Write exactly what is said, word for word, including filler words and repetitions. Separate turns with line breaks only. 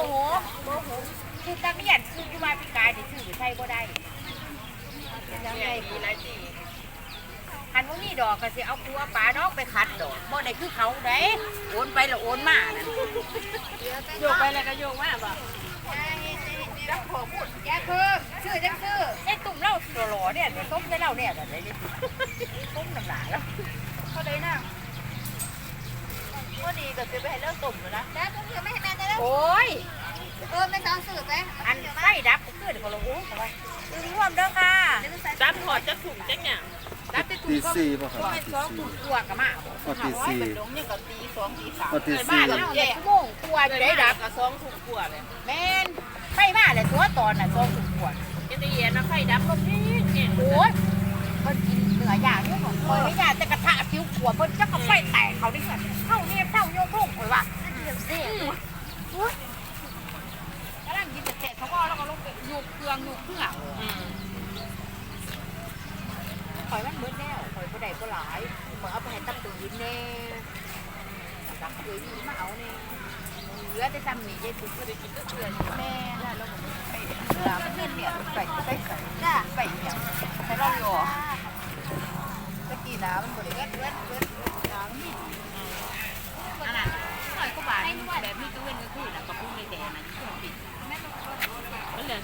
โหโมโหคือตะเกียนคือกุมารพิการที่ชื่อใช่บ่ได้ยังไงมีหลายทีคันว่ามีดอกก็สิเอาครัวปลาดอกไปขัดดอกบ่ได้คือเขาได้โอนไปแล้วโอนมานั่นโยกไปแล้วก็โยกมาบ่จักพอพูดแกคือชื่อจังชื่อไอ้ตุ่มเล่าหล่อเนี่ยต้มได้เล่าเนี่ยแบบนี้ต้มน้ำหนาแล้วเขาเลยนะว่าดีก็จะไปให้เลิกตุ่มเลยนะแล้วตุ่มไม่ให้แม่ได้แล้วโอ้ยเออไม่ต้องสืบเลยอันไฟดับก็คือเดี๋ยวเราโอ้เขาไปตื่นร่วมเด้อค่ะดับถอดจะถุงจังเนี่ยดับจะถุงก็ไม่สองถุงตัวกับมาตีสี่เป็นลงเนี่ยกับตีสองตีสามเกิดบ้านเราเนี่ยโมงกลัวจะได้ดับกับสองถุงกลัวเลยแม่นไฟมาเลยตัวตอนน่ะสองถุงกลัวจะได้เย็นนะไฟดับลมนี่เนี่ยโอ้ยมันกินเนื้อย่างนี่ของคนไม่ยากแต่กระทะผิวขวบเพิ่นจะกับไฟแตกเขาดิสันเข้าเนี่ยเข้าโยกโลกเลยว่ะเสียกำลังกินแต่เขาก็แล้วก็ลงไปยูเครื่องยูเครื่องคอยมันเบิดแล้วคอยผู้ใดผู้หลายเหมือนเอาไปให้ตับตื่นแน่ตับตื่นนี่มาเอาเนี่ยเหลือแต่ทำนี่ยายสุกก็ได้กินก็เกลือแม่ได้แล้วผมไปเกลือมันเนี่ยเนี่ยไปไปใส่จ้าไปเนี่ยใส่รอบอยู่ตะกี้น้ำมันบริเวณเวทเวทน้ำนี่อันนั้นหน่อยก็บาดแบบนี้ก็เว้นก็คือแล้วก็พุ่งในแดงนะที่ผมปิด